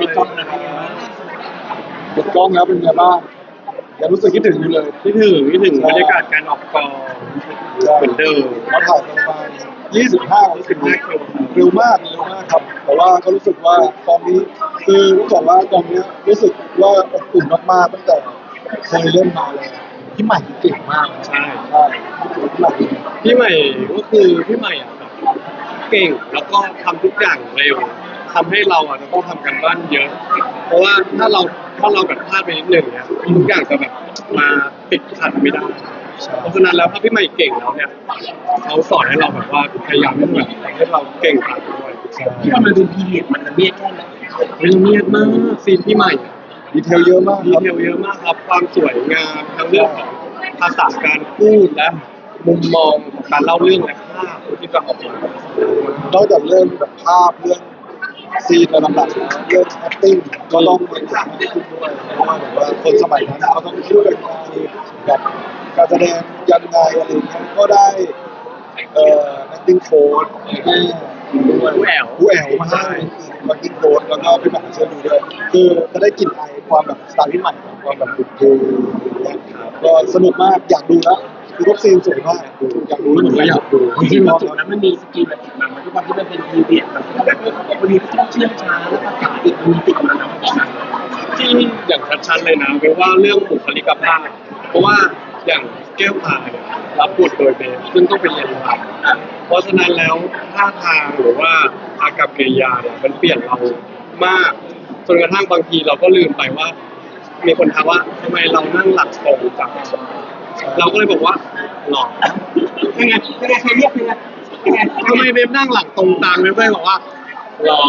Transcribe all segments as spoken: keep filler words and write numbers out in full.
ปิดกล้องนะครับปิดกล้องแล้วเป็นไงบ้างยังรู้สึกคิดถึงอยู่เลยคิดถึงคิดถึงบรรยากาศการออกกองเหมือนเดิมเราถ่ายประมาณยี่สิบห้ายี่สิบห้าคิวเร็วมากเร็วมากครับแต่ว่าก็รู้สึกว่ากองนี้คือรู้สึกว่ากองนี้รู้สึกว่าอบอุ่นมากๆตั้งแต่เคยเล่นมาเลยพี่ใหม่เก่งมากใช่ใช่พี่ใหม่พี่ใหม่ก็คือพี่ใหม่อ่ะแบบเก่งแล้วก็ทำทุกอย่างเร็วทำให้เราอ่ะจะต้องทำกันบ้านเยอะ เพราะว่าถ้าเราถ้าเราแบบพลาดไปนิดหนึ่งเนี่ยทุกอย่างจะแบบมาติดขัดไม่ได้เพราะฉะนั้นแล้วถ้าพี่ใหม่เก่งแล้วเนี่ยเขาสอนให้เราแบบว่าพยายามที่แบบทำให้เราเก่งตามด้วยที่ว่ามันเป็นพีเรียดมันละเมียดแค่ไหนละเมียดมากซีนพี่ใหม่ดีเทลเยอะมากดีเทลเยอะมากครับความสวยงามทั้งเรื่องของภาษาการพูดและมุมมองของการเล่าเรื่องและภาพที่จะออกมานอกจากเรื่องแบบภาพเรื่องซีนระดับแล้วเรื่อง acting ก็ต้องเป็นมากขึ้นด้วยเพราะว่าแบบว่าคนสมัยนั้นเขาต้องพูดยังไงแบบการแสดงยังไงอะไรเงี้ยก็ได้เอ่อ acting coach ด้วยผู้แอวผู้แอวมาให้ acting coach แล้วก็พี่หม่ำเชิญดูด้วยคือจะได้กลิ่นอายความแบบสไตล์พี่ใหม่ความแบบดุดันก็สนุกมากอยากดูแล้วคือทุกซีนสวยมากอยากดูแล้วเหมือนก็อยากดูจริงๆพอจบแล้วมันมีสกิลแบบติดมามันด้วยความที่มันเป็นพีเรียดแบบแบบวันนี้ต้องเชื่อมช้าแล้วภาษาอีกมันมีติดมาแล้วที่อย่างชัดๆเลยนะเพราะว่าเรื่องบุคลิกภาพเพราะว่าอย่างแก้วตาเนี่ยรับบทโดยเบนซึ่งต้องไปเรียนรำเพราะฉะนั้นแล้วท่าทางหรือว่าอากับกิริยาเนี่ยมันเปลี่ยนเรามากจนกระทั่งบางทีเราก็ลืมไปว่ามีคนถามว่าทำไมเรานั่งหลักตรงจังเราก็เลยบอกว่าหลอกยังไงยังไงใครเรียกยังไงยังไงทำไมเบฟนั่งหลังตรงตามเบฟเลยบอกว่าหลอ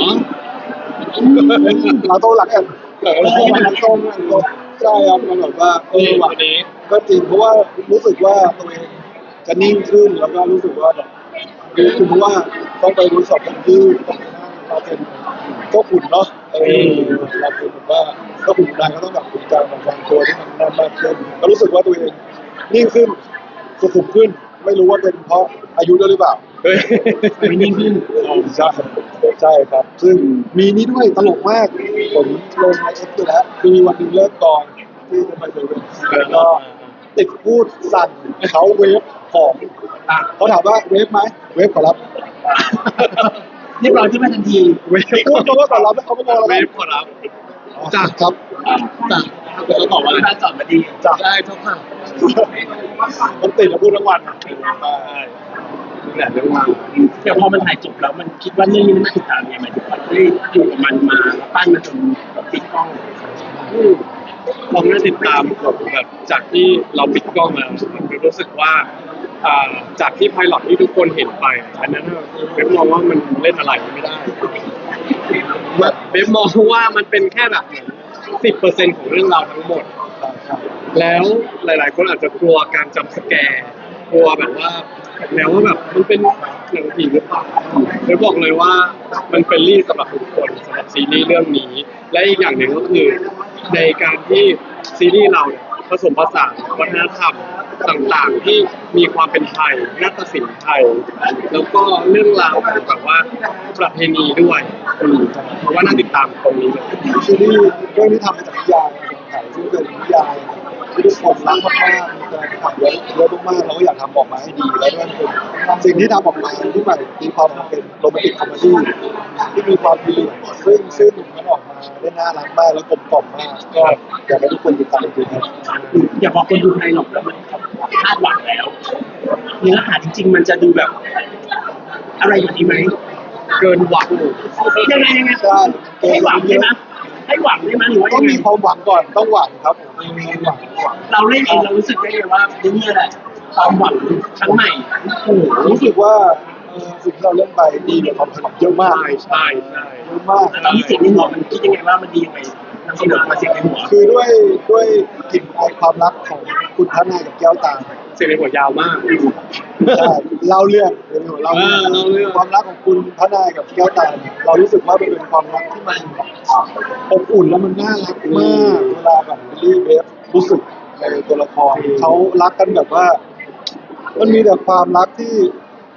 เราโตหลักแอนเราโตหลักตรงใช่ครับมันแบบว่าเออว่ะก็จริงเพราะว่ารู้สึกว่าตัวเองจะนิ่งขึ้นแล้วก็รู้สึกว่าแบบคือเพราะว่าต้องไปรู้สอบกันที่ต้องไปนั่งเราเป็นเจ้าขุนเนาะเออเราเป็นแบบว่าเจ้าขุนนายก็ต้องแบบมีการวางตัวที่มันแน่นมากขึ้นก็รู้สึกว่าตัวเองนิ่งขึ้นสุขุมขึ้นไม่รู้ว่าเป็นเพราะอายุด้วยหรือเปล่าไม่นิ่งขึ้นใช่ใช่ครับซึ่งมีนี้ด้วยตลกมากผมลงในเอ็กซ์แล้วมีวันหนึ่งเลิกกองที่จะไปเซเว่นแล้วก็ติดพูดสั่นเขาเวฟของเขาถามว่าเวฟไหมเวฟขอรับเรียบร้อยที่มาทันทีเวฟพูดเขาว่าขอรับเขาไม่มองเราเวฟขอรับจากครับจากเขาบอกว่าท่านสอนมาดีจากได้ทุกครั้งมันติดแล้วพูดทั้งวันใช่นี่แหละเรื่องมาแต่พอมันถ่ายจบแล้วมันคิดว่าเรื่องนี้มันน่าติดตามยังไงมันได้อยู่กับมันมาปั้นมาจนปิดกล้องผมได้ติดตามแบบจากที่เราปิดกล้องแล้วรู้สึกว่าจากที่ไพลอตที่ทุกคนเห็นไปอันนั้นเบฟมองว่ามันเล่นอะไรไม่ได้เบฟมองว่ามันเป็นแค่แบบสิบเปอร์เซ็นต์ของเรื่องราวทั้งหมดแล้วหลายๆคนอาจจะกลัวการจำสแกร์กลัวแบบว่าแนวว่าแบบมันเป็นหนังผีหรือเปล่าเบฟบอกเลยว่ามันเป็นรีสำหรับทุกคนสำหรับซีรีส์เรื่องนี้และอีกอย่างหนึ่งก็คือในการที่ซีรีส์เราผสมผสานวัฒนธรรมต่างๆที่มีความเป็นไทยนาฏศิลป์ไทยแล้วก็เรื่องราวแบบว่าประเพณีด้วยเพราะว่าน่าติดตามตรงนี้เลยซีรีส์เรื่องนี้ทำมาจากนิยายไทยซึ่งเป็นนิยายที่ทุกคนรักมากๆมีการถ่ายเยอะเยอะมากๆเราก็อยากทำออกมาให้ดีแล้วก็เป็นสิ่งที่ทำออกมาที่ใหม่มีความเป็นโรแมนติกคอมเมดี้ที่มีความดีซึ่งซึ่งมันออกมาได้น่ารักมากแล้วกลมกล่อมมากก็อยากให้ทุกคนติดตามจริงๆครับอย่าบอกคนดูไทยหรอกแล้วมันคาดหวังแล้วเนื้อหาจริงๆมันจะดูแบบอะไรแบบนี้ไหมเกินหวังยังไงยังไงใช่ให้หวังใช่ไหมให้หวังได้ไหมหรือว่าต้องมีความหวังก่อนต้องหวังครับมีหวังเราเล่นเองเรารู้สึกได้เลยว่านี่แหละความหวังครั้งใหม่โอ้รู้สึกว่าสิ่งที่เราเล่นไปดีกับความถนัดเยอะมากใช่ใช่เยอะมากตอนนี้เสียงในหัวมันคิดยังไงว่ามันดียังไงนำเสนอมาเสียงในหัวคือด้วยด้วยกลิ่นอายความรักของคุณพระนายกับแก้วตาเสียงในหัวยาวมากใช่เล่าเรื่องเล่าเรื่องความรักของคุณพระนายกับแก้วตาเรารู้สึกว่ามันเป็นความรักที่มันอบอุ่นแล้วมันน่ารักมากเวลาแบบบิลลี่เบฟรู้สึกในตัวละครเขารักกันแบบว่ามันมีแต่ความรักที่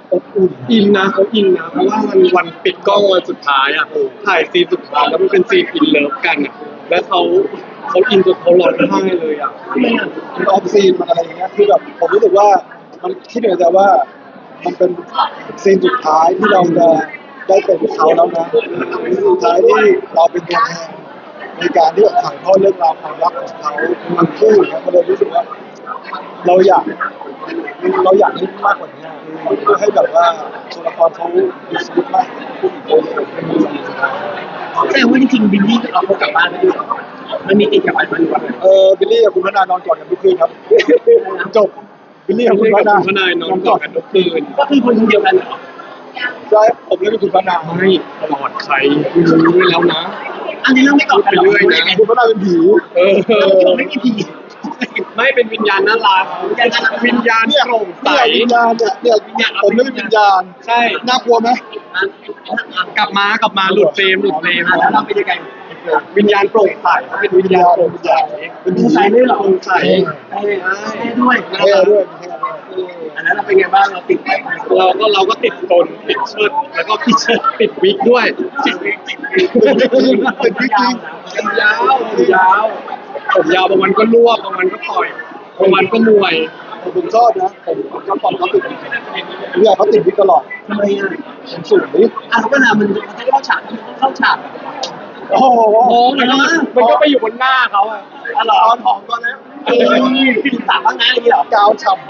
อบอุ่นอินนะเขาอินนะเพราะว่ามันวันปิดกล้องวันสุดท้ายอ่ะถ่ายซีนสุดท้ายแล้วมันเป็นซีนอินเลิฟกันอ่ะแล้วเขาเขาอินจนเขาร้องไห้เลยอ่ะทำไมอ่ะมันออฟซีนมันอะไรอย่างเงี้ยคือแบบผมรู้สึกว่ามันคิดในใจว่ามันเป็นซีนสุดท้ายที่เราจะได้เป็นเขาแล้วนะซีนสุดท้ายที่เราเป็นตัวแทนในการที่แบบถ่ายทอดเรื่องราวความรักของเขาทั้งคู่เนี่ยก็เลยรู้สึกว่า เราอยากเราอยากให้มากกว่านี้เพื่อให้แบบว่าตัวละครเขาดูสมูทมากขึ้นอีกคนแสดงว่าจริงๆบิลลี่เอาเขากลับบ้านไปด้วยมันมีติดกลับไปมันว่าเออบิลลี่กับคุณพนานอนกอดกันทุกคืนครับจบบิลลี่กับคุณพกับนาคุณพนายนอนกอดกันทุกคืนก็คือคนเดียวกันเหรอใช่ผมเล่นเป็นคุณพนาไม่กอดใครรู้ไว้แล้วนะอันนี้เรื่องไม่ต่อกันหรอไปเรื่อยนะคุณพนาเป็นผีเออแล้วที่บอกไม่มีผีไม่เป็นวิญญาณน่ารักวิญญาณโปร่งใสเนี่ยวิญญาณเนี่ยเนี่ยผมเล่นเป็นวิญญาณใช่น่ากลัวไหมกลับมากลับมาหลุดเฟรมหลุดเฟรมแล้วเราเป็นยังไงวิญญาณโปร่งใสเขาเป็นวิญญาณโปร่งใสเป็นดูผีใส่ด้วยเหรอโปร่งใสใช่ด้วยเท่ด้วยเท่ด้วยอันนั้นเราเป็นไงบ้างเราติดไปเราก็เราก็ติดตนติดเชิดแล้วก็พี่เชิดติดวิกด้วยติดวิกติดวิกเป็นวิกจริงผมยาวผมยาวผมยาวบางวันก็รวบบางวันก็ต่อยบางวันก็มวยผมชอบนะผมผมชอบตอนเขาติดวิกเนี่ยเขาติดวิกตลอดทำไมอ่ะผมสูงนี่อ่ะเวลามันมันจะเข้าฉากมันต้องเข้าฉากโอ้โหโอ้มันก็มันก็ไปอยู่บนหน้าเขาอะอ๋อเหรอตอนผอมตอนนี้เออพี่ถามว่าไงนี่เหรอกาวฉ่ำ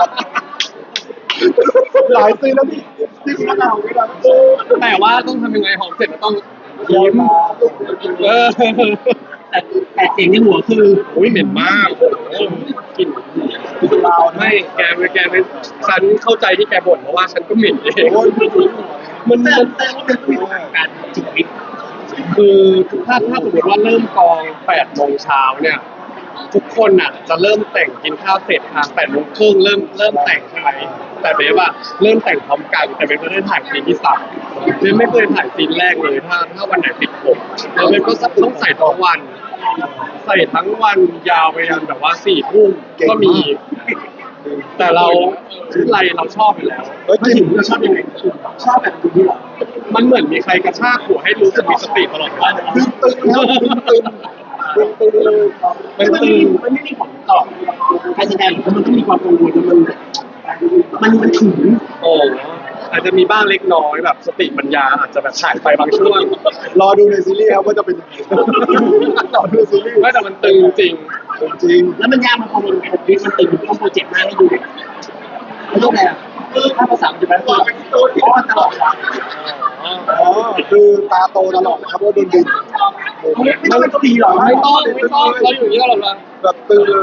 หลายซีนแล้วที่ที่คุณพนาไม่ได้แต่ว่าต้องทำยังไงหอมเสร็จแล้วต้องยิ้มเออแต่แต่เสียงในหัวคืออุ้ยเหม็นมากโอ้กลิ่นติดลาวนะไม่แกไม่แกไม่ฉันเข้าใจที่แกบ่นเพราะว่าฉันก็เหม็นเองโอ้ยมันแต่มันแต่ว่ามันต้องมีการจิตวิทย์คือถ้าถ้าสมมติว่าเริ่มกองแปดโมงเช้าเนี่ย ทุกคนอ่ะจะเริ่มแต่งกินข้าวเสร็จทางแปดโมงครึ่งเริ่มเริ่มแต่งใช่ไหมแต่เบฟอะเริ่มแต่งพร้อมกันแต่เบฟไม่ได้ถ่ายซีนที่สามเบฟไม่เคยถ่ายซีนแรกเลยถ้าถ้าวันไหนติดผมแล้วเบฟก็ต้องใส่ทั้งวัน ใส่ทั้งวันยาวไปยันแบบว่าสี่ทุ่มก็มี แต่เราชื่ออะไรเราชอบอยู่แล้วเฮ้ยไม่จริถึงงเราชอบยังไงชอบแบบนี้เหรอมันเหมือนมีใครกระชากหัวให้รู้สึกมีสติตลอดเวลาตึงตึงแล้วตึงตึงตึงเลยมันไม่มีมันไม่มีผลต่อการแสดงมันต้องมีความกังวลมันมันมันถึงโอ้อาจจะมีบ้างเล็กน้อยแบบสติปัญญาอาจจะแบบหายไปบางช่วงรอดูในซีรีส์ครับว่าจะเป็นยังไงรอดูในซีรีส์ไม่แต่มันตึงจริงจริงแล้วมันยากมันพอมันมันมันตึงต้องโปรเจกต์หน้าให้ดูมันต้องอะไรอ่ะถ้าภาษาจะแปลว่าป้อนตลอดเวลาอ๋อคือตาโตตลอดนะครับว่าโดนดึงไม่ต้องเป็นเกาหลีหรอไม่ต้องไม่ต้องเราอยู่อย่างนี้ตลอดเวลาแบบตึงเลย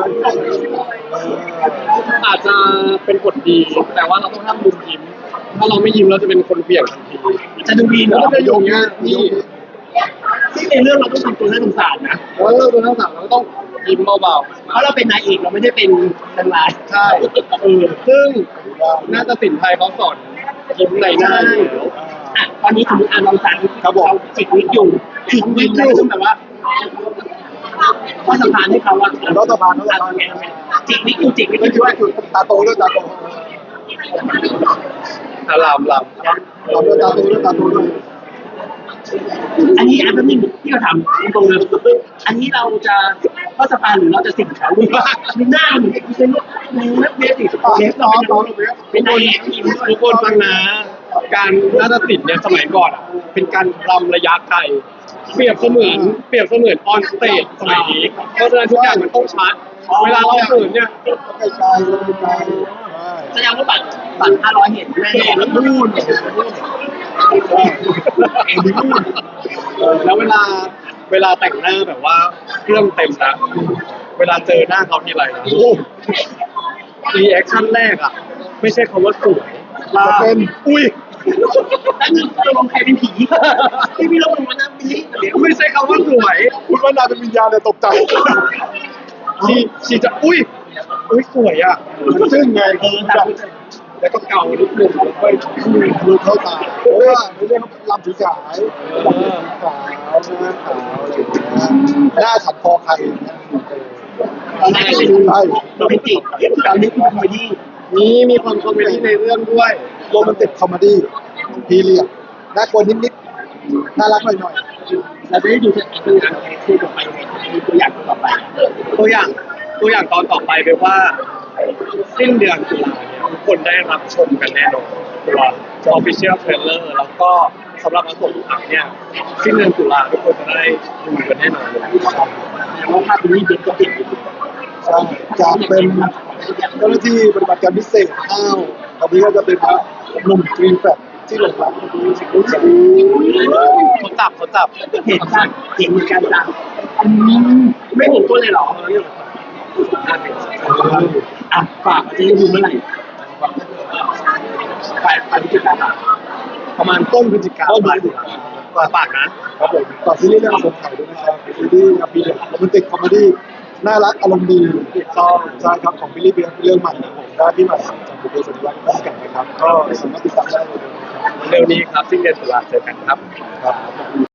อาจจะเป็นผลดี แต่ว่าเราต้องห้ามลืมยิ้ม ถ้าเราไม่ยิ้มเราจะเป็นคนเบี่ยงทันทีจะดูดีเหรอแล้วก็จะอยู่อย่างเงี้ยนี่ซึ่งในเรื่องเราต้องทำตัวน่าสงสารนะแล้วเราตัวทั้งสามเราก็ต้องยิ้มเบาเพราะเราเป็นนายเอกเราไม่ได้เป็นนางร้ายๆใช่เออซึ่งน่าจะสินไทยเขาสอนยิ้มในหน้าอยู่แล้วอ่ะตอนนี้สมมติอ่านลองสั่งเขาจิตวิทย์อยู่จิตวิทย์แล้วต้องแบบว่าข้อสะพานให้เขาว่าแล้วสะพานแล้วสะพานจิตวิทย์อยู่จิตวิทย์ไม่อยู่ใช่ด้วยตาโตด้วยตาโตอารามลตาโตด้วยตาโตด้วยตาโตด้วยอันนี้อันนั้นที่เราทำตรงเลยอันนี้เราจะข้อสะพานหรือเราจะสิ่งเขามีหน้าเหมือนเป็นเล็บเบสิกเล็บเราเป็นนายเอกทีมำทุกคนฟังนะ การนาฏศิลป์เนี่ยสมัยก่อนอ่ะ เป็นการรำระยะไกล เปรียบเสมือนเปรียบเสมือนออนสเตจสมัยนี้ เพราะฉะนั้นทุกอย่างมันต้องชัด เวลาเราเขินเนี่ยไกลไกลไกลแสดงว่าบัตรบัตรห้าร้อยเห็นแน่ๆแล้วนู่นเอ็นดีพูดแล้วเวลาเวลาแต่งหน้าแบบว่าเครื่องเต็มนะเวลาเจอหน้าเขาทีไรนะโอ้รีแอคชั่นแรกอ่ะ ไม่ใช่คำว่าสวยมาเป็นอุ้ยแล้วนึกตกลงใครเป็นผีที่พี่ลงมานั่งนี้เดี๋ยวไม่ใช่คำว่าสวยคุณว่านาเป็นวิญญาณเนี่ยตกใจชีชีจะอุ้ยอุ้ยสวยอ่ะมันซึ่งไงเออตามแล้วก็เกานิดนึงแล้วก็ดูเข้าตาเพราะว่าในเรื่องเขาลำถือสายลำถือสายหน้าขาวอะไรอย่างเงี้ยหน้าฉันคอใครอย่างเงี้ยตอนแรกเป็นโรแมนติกตอนนี้คือคอมเมดี้มีมีความคอมเมดี้ในเรื่องด้วยโรแมนติกคอมเมดี้พีเรียดน่ากลัวนิดๆน่ารักหน่อยเราจะได้ดูจากตัวอย่างคู่ต่อไปมีตัวอย่างต่อไปตัวอย่างตัวอย่างตอนต่อไปเป็นว่าสิ้นเดือนตุลาเนี่ยทุกคนได้รับชมกันแน่นอนตัว official trailer แล้วก็สำหรับอันส่งอักเนี่ยสิ้นเดือนตุลาทุกคนจะได้ดูกันแน่นอนเลยแต่ว่าภาพนี้เด็กก็เห็นอยู่ๆใช่จากเป็นเจ้าหน้าที่ปฏิบัติการพิเศษอ้าวตอนนี้ก็จะเป็นพระหนุ่มกรีนแฟลตที่หลงรักรู้จักเขาจับเขาจับเห็นจ้ะเห็นเหมือนกันจ้ะไม่เห็นตัวเลยเหรออ่ะฝากจะได้ดูเมื่อไหร่ปลายปลายพฤศจิกายนประมาณต้นพฤศจิกาต้นปลายพฤศจิกาปากนะครับผมฝากซีรีส์เรื่องสงไข่ด้วยนะครับซีรีส์พีเรียดโรแมนติกคอมเมดี้น่ารักอารมณ์ดีถูกต้องใช่ครับของบิลลี่เบียร์เรื่องใหม่นะผมได้ที่ใหม่จากบุพเพสันนิวาสร่วมกันนะครับก็สามารถติดตามได้เลยนะครับเร็วนี้ครับสิ้นเดือนตุลาเจอกันครับครับ